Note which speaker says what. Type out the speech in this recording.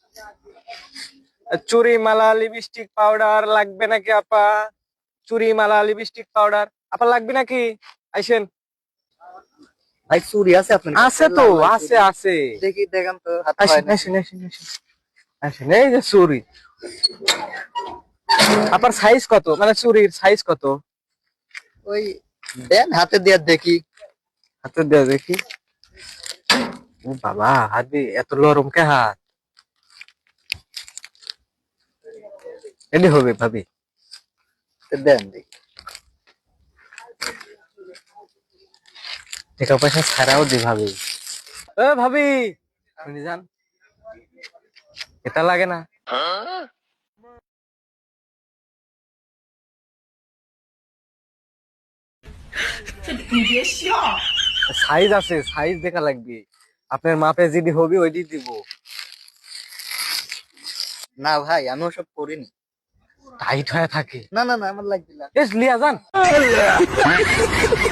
Speaker 1: চুরি মালা lipstick powder লাগবে নাকি আপা? চুরি মালা লিপস্টিক পাউডার আপা লাগবে নাকি? আইসেন।
Speaker 2: ভাই চুরি আছে আপনার
Speaker 1: আছে তো, আছে আছে।
Speaker 2: দেখি দেখান তো হাতে
Speaker 1: আসেন
Speaker 2: হয় না।
Speaker 1: আসেন আসেন আসেন আসেন। এই যে চুরি। আপনার সাইজ কত, মানে চুরির সাইজ কত?
Speaker 2: ওই দেন হাতে দিয়ে দেখি।
Speaker 1: হাতে দেওয়া দেখি। ও বাবা, হাত দিয়ে এত নরম কে হাত? এলি হবে ভাবি।
Speaker 2: দেন দেখি।
Speaker 1: টাকা পয়সা ছাড়াও দি ভাবি। এ ভাবি, শুনি যান, এটা লাগে না? সাইজ আছে, সাইজ দেখা লাগবে। আপনার মাপে যদি হবে ওইটি দিব।
Speaker 2: না ভাই আমি ওসব করিনি।
Speaker 1: টাইট হয়ে থাকে।
Speaker 2: না না না আমার লাগবে না।
Speaker 1: এস লিয়া যান।